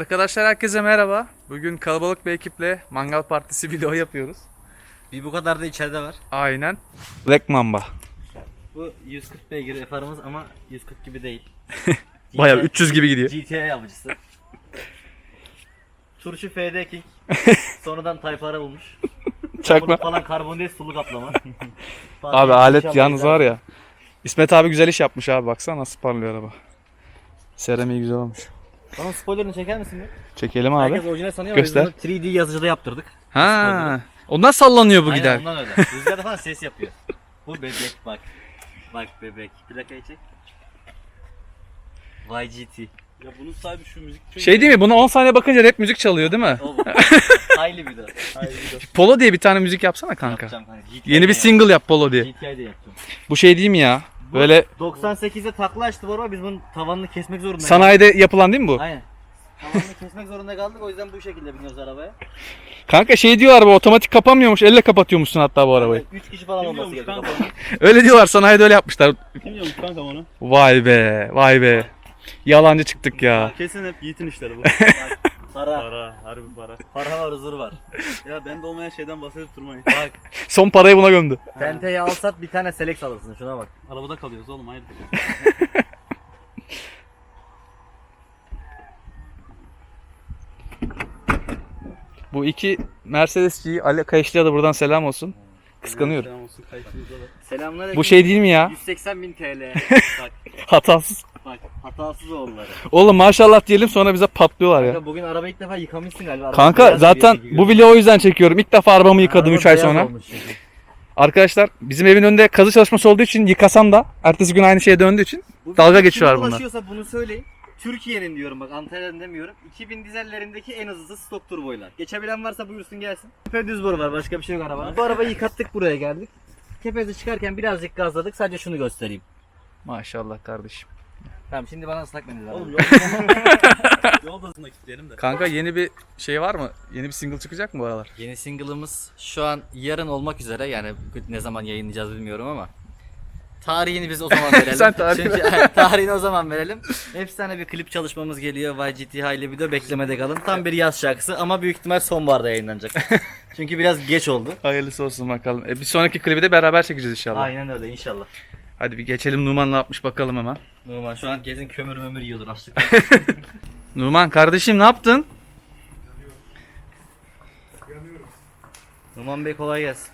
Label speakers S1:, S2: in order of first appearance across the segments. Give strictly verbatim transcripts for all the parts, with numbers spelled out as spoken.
S1: Arkadaşlar herkese merhaba. Bugün kalabalık bir ekiple mangal partisi video yapıyoruz.
S2: Bir bu kadar da içeride var.
S1: Aynen. Black Mamba.
S2: Bu yüz kırk beygir farımız ama yüz kırk gibi değil.
S1: Bayağı üç yüz gibi gidiyor.
S2: G T A avcısı. Turşu F D King. Sonradan Tayfara bulmuş.
S1: Çakma.
S2: Falan karbondioksit sulu kaplama.
S1: Abi alet yalnız var ya. İsmet abi güzel iş yapmış abi, baksana nasıl parlıyor araba. Seramiği güzel olmuş.
S2: Bana spoilerını çeker misin bir?
S1: Çekelim abi.
S2: Herkes orijinal sanıyor
S1: Göster.
S2: ama biz bunu üç D yazıcıda yaptırdık.
S1: Ha. Ondan sallanıyor bu
S2: Aynen
S1: gider.
S2: ondan öyle. Rüzgarda falan ses yapıyor. Bu bebek bak. Bak bebek. Plakayı çek. Y G T.
S3: Ya bunun sahibi şu müzik çok
S1: Şey değil mi? Buna on saniye bakınca rap müzik çalıyor değil mi?
S2: O bu. Hayli bir de.
S1: Polo diye bir tane müzik yapsana kanka.
S2: Yapacağım kanka. G T I'de
S1: Yeni bir single yap Polo diye.
S2: G T I'de yaptım.
S1: Bu şey değil mi ya?
S2: Bu
S1: Böyle
S2: doksan sekizde takla açtı bu araba, biz bunun tavanını kesmek zorunda kaldık.
S1: sanayide yapılan değil mi bu?
S2: Aynen. Tavanını kesmek zorunda kaldık, o yüzden bu şekilde biniyoruz arabaya.
S1: Kanka şey diyorlar, bu otomatik kapanmıyormuş, elle kapatıyormuşsun hatta bu arabayı.
S2: üç kişi falan
S3: Kim
S2: olması
S3: diyormuş
S2: gerekiyor.
S3: kanka onu?
S1: Öyle diyorlar, sanayide öyle yapmışlar.
S3: Kim diyormuş kanka onu?
S1: Vay be, vay be. Yalancı çıktık ya.
S3: Kesin hep Yiğit'in işleri bu.
S2: Para.
S3: Para, harbi para.
S2: Para var, huzur var.
S3: Ya bende olmayan şeyden bahsedip durmayın.
S2: Bak,
S1: Son parayı buna gömdü.
S2: tenteyi alsat bir tane Selex alırsın, şuna bak.
S3: Arabada kalıyoruz oğlum, hayırdır.
S1: Bu iki Mercedes'ciyi Ali Kayışlı'ya da buradan selam olsun. Kıskanıyorum.
S3: Selam olsun kayıtınızda da.
S2: Selamünaleyküm.
S1: Bu şey değil mi ya?
S2: yüz seksen bin T L. Bak,
S1: Hatasız.
S2: bak, hatasız oğulları.
S1: Oğlum maşallah diyelim, sonra bize patlıyorlar ya.
S2: Kanka bugün araba ilk defa yıkamışsın galiba. Araba
S1: Kanka
S2: beyaz
S1: zaten
S2: gibi gibi
S1: bu
S2: görünüyor.
S1: video o yüzden çekiyorum. İlk defa arabamı yıkadım
S2: Araba
S1: üç ay
S2: beyaz
S1: sonra.
S2: olmuş çünkü.
S1: Arkadaşlar bizim evin önünde kazı çalışması olduğu için yıkasam da ertesi gün aynı şeye döndüğü için
S2: Bu
S1: dalga
S2: video
S1: geçiyorlar
S2: kime
S1: bunlar.
S2: ulaşıyorsa bunu söyleyin. Türkiye'nin diyorum, bak Antalya'nın demiyorum. iki bin dizellerindeki en hızlısı stok turboylar. Geçebilen varsa buyursun gelsin. Tepe düz boru var, başka bir şey yok arabada. Bu arabayı yıkattık, buraya geldik. Tepede çıkarken birazcık gazladık, sadece şunu göstereyim.
S1: Maşallah kardeşim.
S2: Tamam, şimdi bana ıslak mendil
S3: Oğlum
S2: lazım.
S3: yol yolda kilitleyelim de.
S1: Kanka yeni bir şey var mı? Yeni bir single çıkacak mı bu aralar?
S2: Yeni single'ımız şu an yarın olmak üzere, yani ne zaman yayınlayacağız bilmiyorum ama tarihini biz o zaman verelim.
S1: Sen tarih
S2: Çünkü tarihini o zaman verelim. Efsane bir klip çalışmamız geliyor. Y G T Highly video, beklemede kalın. Tam bir yaz şarkısı ama büyük ihtimal sonbaharda yayınlanacak. Çünkü biraz geç oldu.
S1: Hayırlısı olsun bakalım. E, bir sonraki klibi de beraber çekeceğiz inşallah.
S2: Aynen öyle inşallah.
S1: Hadi bir geçelim, Numan ne yapmış bakalım hemen.
S2: Numan şu an kesin kömür mömür yiyordur açlık.
S1: Numan kardeşim ne yaptın?
S2: Numan Bey kolay gelsin.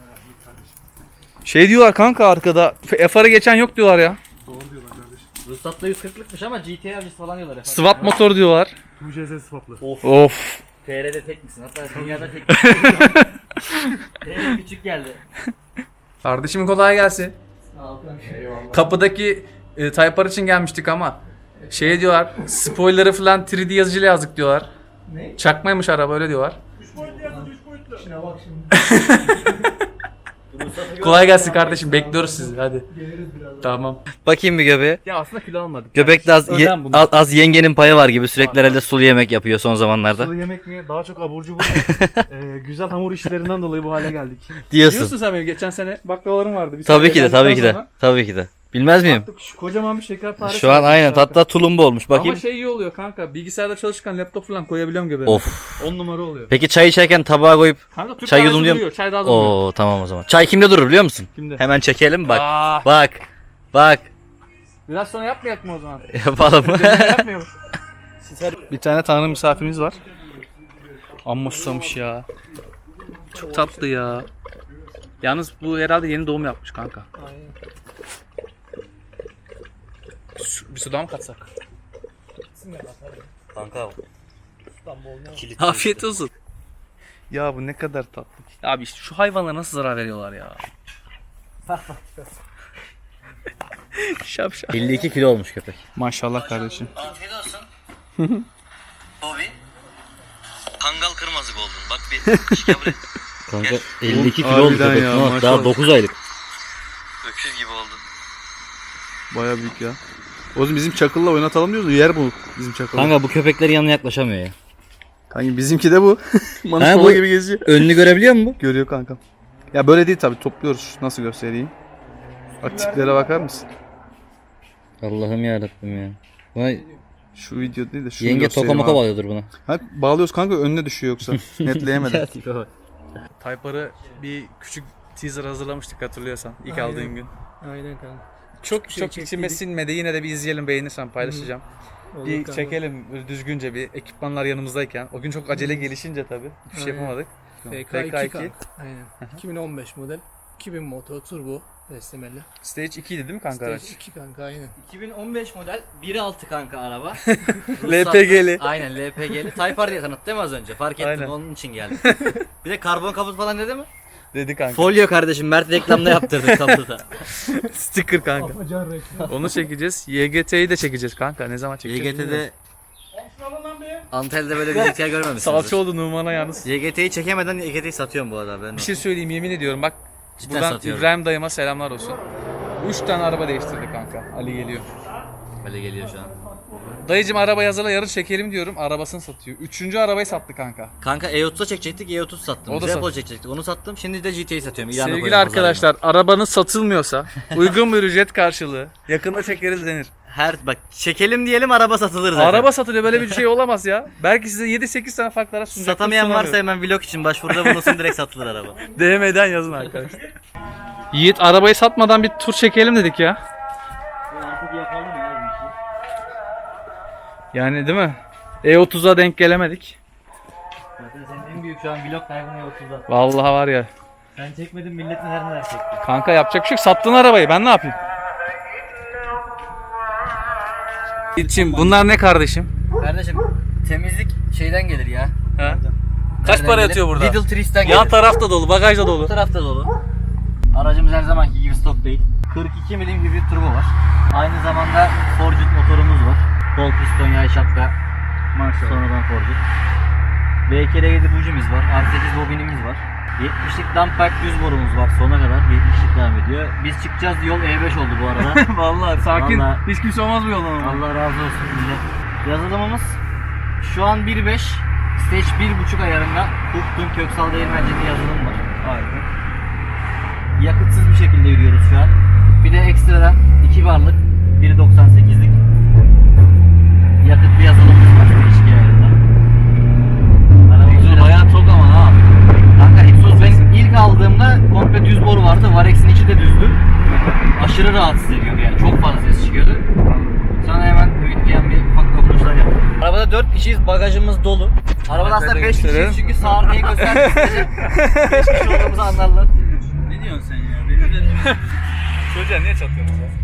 S1: Şey diyorlar kanka arkada, F R'ı geçen yok diyorlar ya.
S2: Ruhsatla yüz kırklıkmış ama G T A avcısı falan diyorlar efendim.
S1: Swap motor diyorlar.
S3: Bu C S swaplı.
S2: Of.
S1: Of.
S2: T R'de tek misin? Hatta dünyada tek misin? T R küçük geldi.
S1: Kardeşim kolay gelsin.
S2: Sağ ol kanka. Eyvallah.
S1: Kapıdaki e, Taypar için gelmiştik ama şey diyorlar, spoiler'ı falan üç D yazıcıyla yazdık diyorlar.
S2: Ne?
S1: Çakmaymış araba, öyle diyorlar.
S2: Şuna bak şimdi.
S1: Kolay gelsin kardeşim, bekliyoruz sizi hadi. Tamam.
S2: Bakayım bir göbeğe.
S1: Ya aslında kilo almadık.
S2: Göbekte az,
S1: Özen
S2: ye-
S1: bunlar.
S2: az, az yengenin payı var gibi, sürekli herhalde sulu yemek yapıyor son zamanlarda.
S3: Sulu yemek mi? Daha çok abur cubur. ee, güzel hamur işlerinden dolayı bu hale geldik.
S2: Diyorsun.
S1: Biliyorsun sen benim geçen sene baklavalarım vardı. Bir
S2: Tabii
S1: sene
S2: ki de, tabii ki de.
S1: evlendikten sonra
S2: Tabii ki de. Bilmez miyim?
S1: attık, şu kocaman bir şekerpare.
S2: Şu an aynen, hatta tulumba olmuş. Bakayım.
S1: Ama şey iyi oluyor kanka, bilgisayarda çalışırken laptop falan koyabiliyorum göbeğime.
S2: Of.
S1: on numara oluyor.
S2: Peki çay içerken tabağa koyup
S1: Kanka Türk
S2: Çay
S1: kahvesi
S2: yudumluyor mu?
S1: duruyor, çay daha da duruyor.
S2: Oo tamam o zaman. Çay kimde durur biliyor musun?
S1: Kimde?
S2: Hemen çekelim bak.
S1: Aa,
S2: Bak. Bak.
S1: biraz sonra yapmayak mı o zaman?
S2: Yapalım.
S1: Yapmayalım. Bir tane tanrı misafirimiz var. Amma susamış ya. Çok tatlı ya. Yalnız bu herhalde yeni doğum yapmış kanka. Su, bir sudan mı katsak?
S2: Kanka.
S1: Afiyet olsun. Ya bu ne kadar tatlı. Abi işte şu hayvanlara nasıl zarar veriyorlar ya? Şap şap.
S2: elli iki kilo olmuş köpek.
S1: Maşallah kardeşim.
S2: Afiyet olsun. Bobby. Kangal kırmızı oldun. Bak bir şike buraya. Kanka elli iki kilo oldu
S1: Harbiden
S2: köpek.
S1: ya,
S2: Daha
S1: maşallah.
S2: dokuz aylık.
S4: Öküz gibi oldu.
S1: Baya büyük ya. O zaman bizim çakılla oynatalım diyoruz. Yer bu bizim çakılla.
S2: Kanka bu köpeklerin yanına yaklaşamıyor ya.
S1: Kanka bizimki de bu. Manus
S2: Ha,
S1: baba
S2: bu-
S1: gibi geziyor.
S2: Önünü görebiliyor musun?
S1: Görüyor kanka. Ya böyle değil tabi, topluyoruz. Nasıl göstereyim? Bak tiplere bakar mısın?
S2: Allah'ım yarabbim ya. Vay
S1: Şu video değil de şunu
S2: Yenge
S1: göstereyim
S2: toka moka
S1: abi.
S2: bağlıyordur bunu.
S1: Ha, bağlıyoruz kanka, önüne düşüyor yoksa. Netleyemedim.
S2: Tipe bak.
S1: Type-R'ı bir küçük teaser hazırlamıştık hatırlıyorsan ilk aldığın gün.
S3: Aynen kanka.
S1: Çok
S3: şey
S1: çok içime
S3: çektiydik.
S1: sinmedi. Yine de bir izleyelim, beğenirsen paylaşacağım.
S3: Olur
S1: Bir
S3: kanka.
S1: çekelim böyle düzgünce, bir ekipmanlar yanımızdayken. O gün çok acele gelişince tabii bir şey
S3: Aynen.
S1: yapamadık.
S3: F
S1: F
S3: K
S1: K
S3: iki.
S1: iki.
S3: Aynen. iki bin on beş model. iki bin motor turbo beslemeli.
S1: Stage ikiydi değil mi kanka
S3: Stage
S1: araç?
S3: iki kanka aynen.
S2: iki bin on beş model bir nokta altı kanka araba.
S1: L P G'li.
S2: Aynen L P G'li. Type R diye tanıttı değil mi az önce? Fark ettim,
S1: Aynen.
S2: onun için geldi. Bir de karbon kaput falan dedi mi?
S1: Dedi kanka.
S2: Folyo kardeşim, Mert reklamda yaptırdık kaputa.
S1: Sticker kanka.
S3: Afacan reklam.
S1: Onu çekeceğiz. Y G T'yi de çekeceğiz kanka. Ne zaman
S2: Y
S1: çekeceğiz?
S2: G
S1: bilmiyorum.
S2: T'de Antalya'da böyle bir hikaye görmemişsiniz.
S1: Salça oldu Numan'a yalnız.
S2: Y G T'yi çekemeden Y G T'yi satıyorum bu arada ben.
S1: Bir şey söyleyeyim, yemin ediyorum bak.
S2: Cidden
S1: Buradan
S2: satıyorum.
S1: İbrahim dayıma selamlar olsun. Üç tane araba değiştirdi kanka. Ali geliyor.
S2: Böyle geliyor şu an.
S1: Dayıcım araba hazırla, yarın çekelim diyorum. Arabasını satıyor. Üçüncü arabayı sattı kanka.
S2: Kanka E otuz'a çekecektik, E otuz sattım.
S1: O da
S2: Japol
S1: sat-
S2: çekecektik, onu sattım. Şimdi de G T'yi satıyorum. İlana
S1: Sevgili
S2: koyuyorum
S1: arkadaşlar, arabanız satılmıyorsa uygun bir ücret karşılığı yakında çekeriz denir.
S2: pazarına. Her bak çekelim diyelim, araba satılır zaten.
S1: Araba satılıyor, böyle bir şey olamaz ya. Belki size yedi sekiz tane farklı araç sunacak.
S2: Satamayan varsa hemen vlog için başvuruda bulunsun, direkt satılır araba.
S1: D M'den yazın arkadaşlar. Yiğit, arabayı satmadan bir tur çekelim dedik ya.
S2: Artık yapalım ya bu işi.
S1: Yani değil mi? E otuz'a denk gelemedik.
S2: Zaten senin en büyük şu an vlog kaybını E otuz'da.
S1: Vallahi var ya.
S2: Sen çekmedin, millet neler neler çekti.
S1: Kanka yapacak bir şey yok. Sattın arabayı. Ben ne yapayım? Yiğit'ciğim bunlar ne kardeşim?
S2: Kardeşim temizlik şeyden gelir ya.
S1: Ha? Kaç
S2: Nereden
S1: para
S2: gelir?
S1: yatıyor burada?
S2: Lidl Trees'ten gelir.
S1: Yan tarafta dolu, bagajda
S2: Bu
S1: dolu.
S2: tarafta dolu. Aracımız her zamanki gibi stok değil. kırk iki milim hibrit turbo var. Aynı zamanda Forged motorumuz var. Kol piston yay şapka. Maşallah. Sonradan Forged. B iki R yedi bujimiz var. R sekiz bobinimiz var. yetmişlik dump pack düz borumuz var. Sona kadar yetmişlik devam ediyor. Biz çıkacağız, yol E beş oldu bu arada.
S1: Vallahi sakin.
S2: Vallahi.
S1: Hiç kimse olmaz bu yoldan ama.
S2: Allah razı olsun millet. Yazılımımız şu an bir beş, stage bir buçuk ayarında Huktun Köksal Değirmenci'nin yazılımı var.
S1: Harika.
S2: Yakıtsız bir şekilde yürüyoruz şu an. Bir de ekstradan iki barlık bir doksan sekizlik yakıt bir yazılımımız var stage iki ayarında.
S1: Egzoz bayağı tok ama ha.
S2: Kanka egzoz ben ilk aldığımda komple düz boru vardı. Varex'in içi de düzdü. Aşırı rahatsız ediyordu yani. Çok fazla ses çıkıyordu. Sonra hemen büyütleyen bir ufak dokunuşlar yaptık. Arabada dört kişiyiz, bagajımız dolu. Arabada aslında
S1: Arkada
S2: beş kişiyiz
S1: gösterelim.
S2: çünkü sağ arkayı göstermek beş kişi olduğumuzu anlarlar.
S4: Ne diyorsun sen ya? Benim de
S1: Çocuğa niye çatıyorsunuz ya?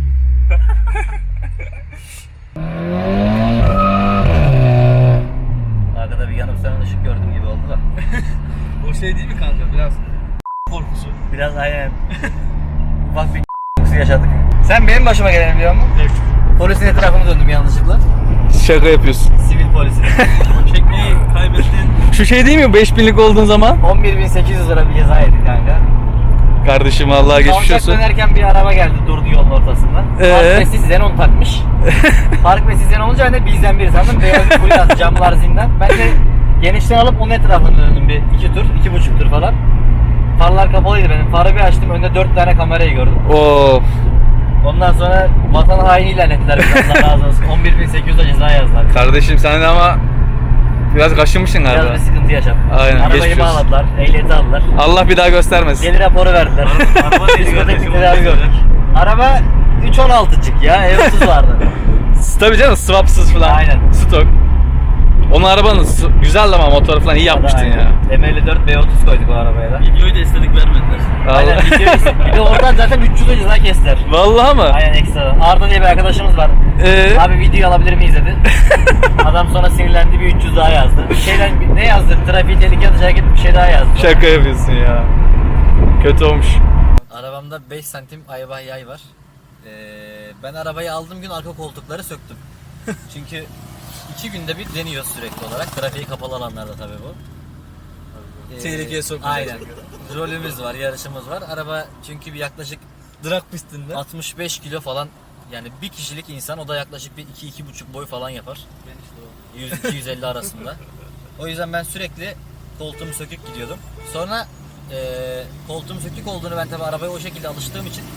S2: Arkada bir yanıp sönen ışık gördüm gibi oldu da.
S1: O şey değil mi kanka, biraz korkusu.
S2: Biraz aynen. Ufak bir korkusu yaşadık. Sen benim başıma geleni biliyor musun?
S1: Evet.
S2: Polisin etrafını döndüm yanlışlıkla.
S1: Şaka yapıyorsun.
S2: Sivil polisin.
S4: çekmeyi kaybettin.
S1: Şu şey değil mi, beş binlik olduğun zaman?
S2: on bir bin sekiz yüz lira bir ceza yedik kanka.
S1: Kardeşim Allah'a geçmiş
S2: Kavşak
S1: olsun.
S2: dönerken bir araba geldi, durdu yolun ortasında.
S1: Ee?
S2: Park Messi Xenon takmış. Park Messi Xenon olunca ben de bizden biri sandım. Beyaz bir full attı, camlar zindan. Ben de genişten alıp onun etrafını döndüm bir iki tur, iki buçuk tur falan. Farlar kapalıydı benim. Farı bir açtım, önde dört tane kamerayı gördüm.
S1: Of.
S2: Ondan sonra vatan haini ilan ettiler bize, Allah razı olsun. on bir bin sekiz yüz lira ceza yazdılar.
S1: Kardeşim sen de ama biraz kaşınmışsın
S2: Biraz
S1: galiba.
S2: bir sıkıntı yaşadım.
S1: Aynen,
S2: Arabayı
S1: geçmiş olsun.
S2: bağladılar, ehliyeti aldılar.
S1: Allah bir daha göstermesin.
S2: Gelir raporu verdiler.
S4: Araba neydi
S2: Diskotek
S4: kardeşim?
S2: tedavi gördük. Araba üç on altıcık ya, E otuz vardı.
S1: Tabii canım, swapsız falan.
S2: Aynen.
S1: Stok. Onun arabanın s- güzel ama motoru falan iyi yapmıştın
S2: Aynen.
S1: ya.
S2: M elli dört V otuz koyduk o arabaya da.
S4: Videoyu da istedik vermediler.
S2: Aynen,
S1: Allah.
S2: video istedim. Bir de oradan zaten üç yüz ceza kestiler.
S1: Vallahi mı?
S2: Aynen, ekstra. Arda diye bir arkadaşımız var.
S1: Ee?
S2: Abi videoyu alabilir miyiz dedi. Adam sonra sinirlendi, bir üç yüz daha yazdı. Bir şeyden bir- ne yazdı? Trafiği tehlikeye atacak hareket bir şey daha yazdı.
S1: Şaka yapıyorsun ya. Kötü olmuş.
S2: Arabamda beş santim ayva yay var. Ee, ben arabayı aldığım gün arka koltukları söktüm. Çünkü iki günde bir deniyoruz sürekli olarak. Trafiği kapalı alanlarda tabii bu. Ee,
S1: Tehlikeye sokmayacak.
S2: Aynen. Rolümüz var, yarışımız var. Araba çünkü bir yaklaşık
S1: Drag pistinde.
S2: altmış beş kilo falan, yani bir kişilik insan, o da yaklaşık bir iki iki buçuk boy falan yapar. yüz iki yüz elli arasında. O yüzden ben sürekli koltuğumu sökük gidiyordum. Sonra e, koltuğum sökük olduğunu, ben tabii arabaya o şekilde alıştığım için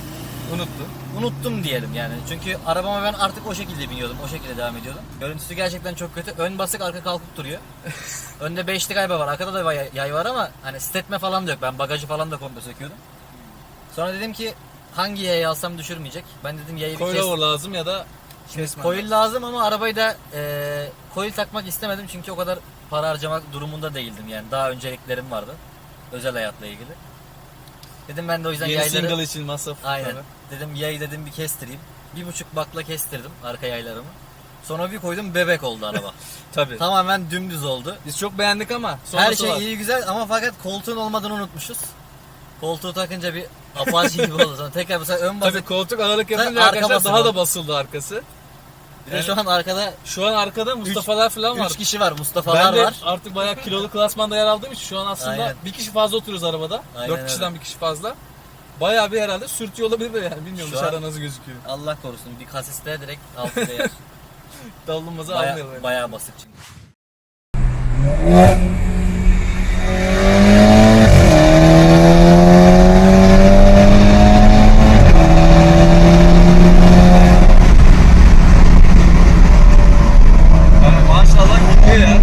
S2: Unuttum. Unuttum diyelim yani. Çünkü arabama ben artık o şekilde biniyordum. O şekilde devam ediyordum. Görüntüsü gerçekten çok kötü. Ön basık, arka kalkıp duruyor. Önde beşli galiba var. Arkada da yay, yay var ama hani stetme falan da yok. Ben bagajı falan da komple söküyordum. Sonra dedim ki hangi yayı alsam düşürmeyecek. Ben dedim yayı bir kes.
S4: Coilover lazım ya da
S2: Şimdi coil lazım ama arabayı da e, coil takmak istemedim çünkü o kadar para harcamak durumunda değildim yani. Daha önceliklerim vardı. Özel hayatla ilgili. Dedim ben de o yüzden
S4: yeni
S2: yayları...
S4: single için masraf.
S2: Aynen.
S4: Tabii.
S2: Dedim yayı dedim bir kestireyim. Bir buçuk bakla kestirdim arka yaylarımı. Sonra bir koydum bebek oldu araba.
S4: Tabii.
S2: Tamamen dümdüz oldu.
S4: Biz çok beğendik ama
S2: Her
S4: sonrası
S2: şey
S4: var.
S2: iyi güzel ama fakat koltuğun olmadığını unutmuşuz. Koltuğu takınca bir Apache gibi oldu. Sonra tekrar mesela ön basıp
S4: Tabii koltuk ağırlık yapınca
S2: Tabii arka
S4: arkadaşlar
S2: basın
S4: daha
S2: var.
S4: da basıldı arkası.
S2: bir de şu an arkada
S4: Şu an arkada Mustafa'lar falan var.
S2: üç kişi var. Mustafa'lar
S4: Ben de
S2: var.
S4: artık bayağı kilolu klasmanda yer aldığım için şu an aslında
S2: Aynen.
S4: bir kişi fazla oturuyoruz arabada.
S2: Aynen
S4: Dört
S2: öyle.
S4: kişiden bir kişi fazla. Bayağı bir herhalde sürtüyor olabilir de yani bilmiyorum
S2: Şu
S4: dışarıda
S2: an-
S4: nasıl gözüküyor.
S2: Allah korusun bir kasiste direkt altı değer.
S4: Davulmazı
S2: Baya,
S4: almıyor böyle.
S2: bayağı basık çünkü.
S4: Yani maşallah gidiyor ya.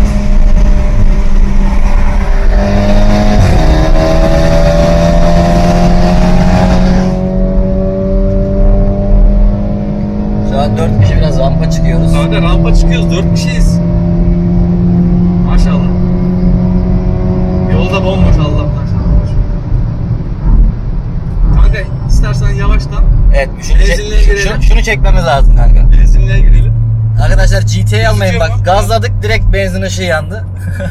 S2: Şu an dört kişi biraz rampa çıkıyoruz.
S4: Kanka rampa çıkıyoruz dört kişiyiz. Maşallah. Yolda bomboş Allah'tan. Kanka istersen yavaştan
S2: Evet, şunu,
S4: Benzinliğe
S2: çek,
S4: girelim.
S2: şunu, şunu çekmemiz lazım kanka.
S4: benzinliğe girelim.
S2: Arkadaşlar G T A almayın
S4: Gözüküyor mu?
S2: bak. Gazladık direkt benzin ışığı yandı.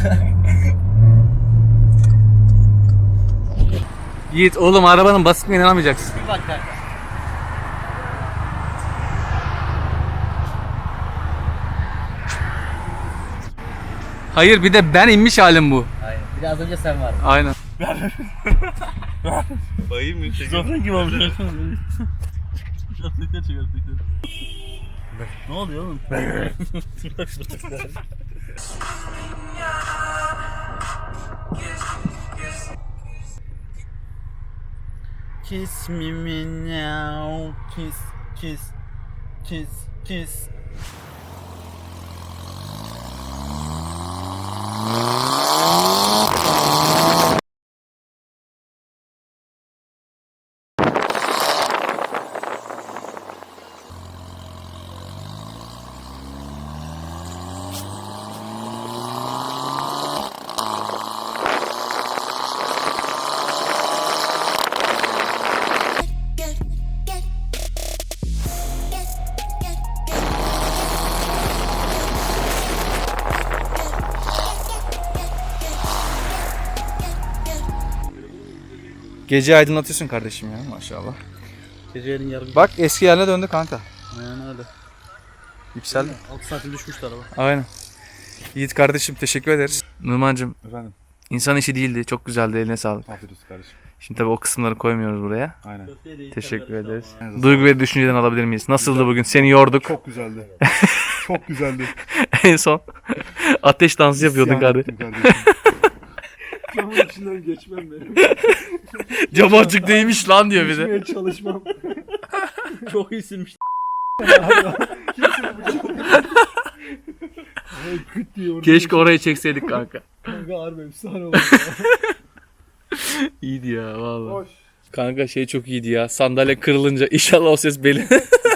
S1: Yiğit oğlum arabanın basitliğine inanamayacaksın.
S2: Bir bak kanka.
S1: Hayır bir de ben inmiş halim bu.
S2: Aynen. Bir de az önce sen vardın.
S1: Aynen.
S4: Bayım mı?
S5: Zaten gibi olmuş. Çıkarttıklar çıkarttıklar. Ne oluyor oğlum? Kiss me, me now, kiss, kiss, kiss, kiss.
S1: Gece aydınlatıyorsun kardeşim ya maşallah.
S5: Gecenin yarım.
S1: Bak eski yerine döndü kanka.
S5: Aynen öyle.
S1: Yükseldi.
S5: altı saatin düşmüştü araba.
S1: Aynen. Yiğit kardeşim teşekkür ederiz. Numancım
S3: Efendim.
S1: insan işi değildi. Çok güzeldi. Eline sağlık.
S3: Afiyet olsun kardeşim.
S1: Şimdi tabii o kısımları koymuyoruz buraya.
S3: Aynen.
S1: Teşekkür ederiz. Duygu ve düşünceden alabilir miyiz? Nasıldı bugün? Seni yorduk.
S3: Çok güzeldi. Çok güzeldi.
S1: En son ateş dansı yapıyordun
S3: İsyan
S1: kardeşim.
S3: ettim kardeşim.
S5: Camın içinden geçmem benim.
S1: Cam açık değilmiş lan diyor bir de.
S5: Geçmeye çalışmam. Çok iyisinmiş. Küt diye orada.
S1: Keşke orayı çekseydik kanka.
S5: Kanka harbi efsane oldu.
S1: İyiydi ya vallahi.
S3: Hoş.
S1: Kanka şey çok iyiydi ya. Sandalye kırılınca inşallah o ses belli.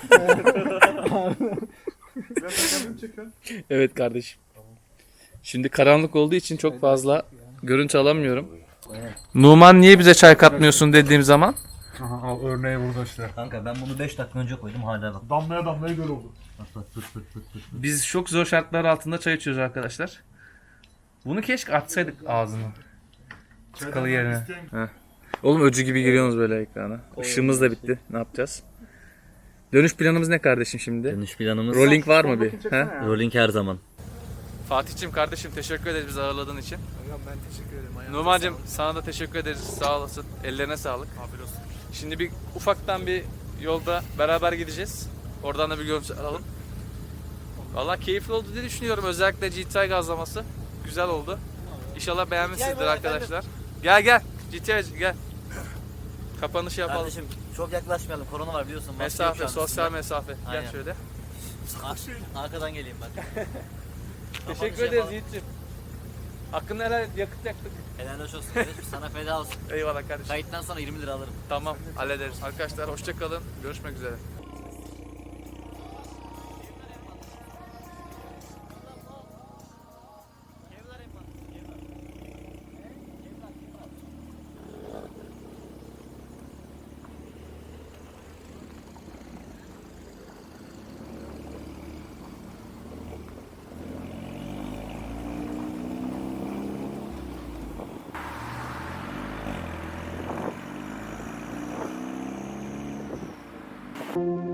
S3: Ben kendimi çekiyorum.
S1: Evet kardeşim. Şimdi karanlık olduğu için çok fazla görüntü alamıyorum. Numan niye bize çay katmıyorsun dediğim zaman
S3: Aha, al örneği burada işte.
S2: Kanka ben bunu beş dakika önce koydum hala bak.
S3: Damlaya damlaya göl oldu.
S1: biz çok zor şartlar altında çay içiyoruz arkadaşlar. Bunu keşke açsaydık ağzını. Tıkalı yerine. Heh. Oğlum öcü gibi giriyorsunuz böyle ekrana. Işığımız da bitti. Ne yapacağız? Dönüş planımız ne kardeşim şimdi?
S2: Dönüş planımız.
S1: Rolling var mı bir? He?
S2: Rolling her zaman.
S1: Fatih'cim kardeşim teşekkür ederiz bizi ağırladığın için. Ben teşekkür ederim. Numan'cım sana da teşekkür ederiz. Sağ olasın. Ellerine sağlık. Afiyet olsun. Şimdi bir ufaktan bir yolda beraber gideceğiz. Oradan da bir görüntü alalım. Vallahi keyifli oldu diye düşünüyorum. Özellikle G T I gazlaması. Güzel oldu. İnşallah beğenmişsinizdir arkadaşlar. Gel gel. G T I gel. Kapanışı yapalım.
S2: Kardeşim Çok yaklaşmayalım. Korona var biliyorsun. Maske yok şu
S1: Mesafe,
S2: an
S1: sosyal
S2: üstünde.
S1: mesafe.
S2: Aynen.
S1: Gel şöyle.
S2: Ar- Arkadan geleyim bak.
S1: Teşekkür
S2: Kapanışı
S1: ederiz
S2: yapalım.
S1: Yiğit'ciğim. Hakkını helal et, yakıt yaktık.
S2: Helal hoş olsun kardeşim. Sana feda olsun.
S1: Eyvallah kardeşim.
S2: Kayıttan sonra yirmi lira alırım.
S1: Tamam, hallederiz. Arkadaşlar hoşça kalın. Görüşmek üzere.
S2: Thank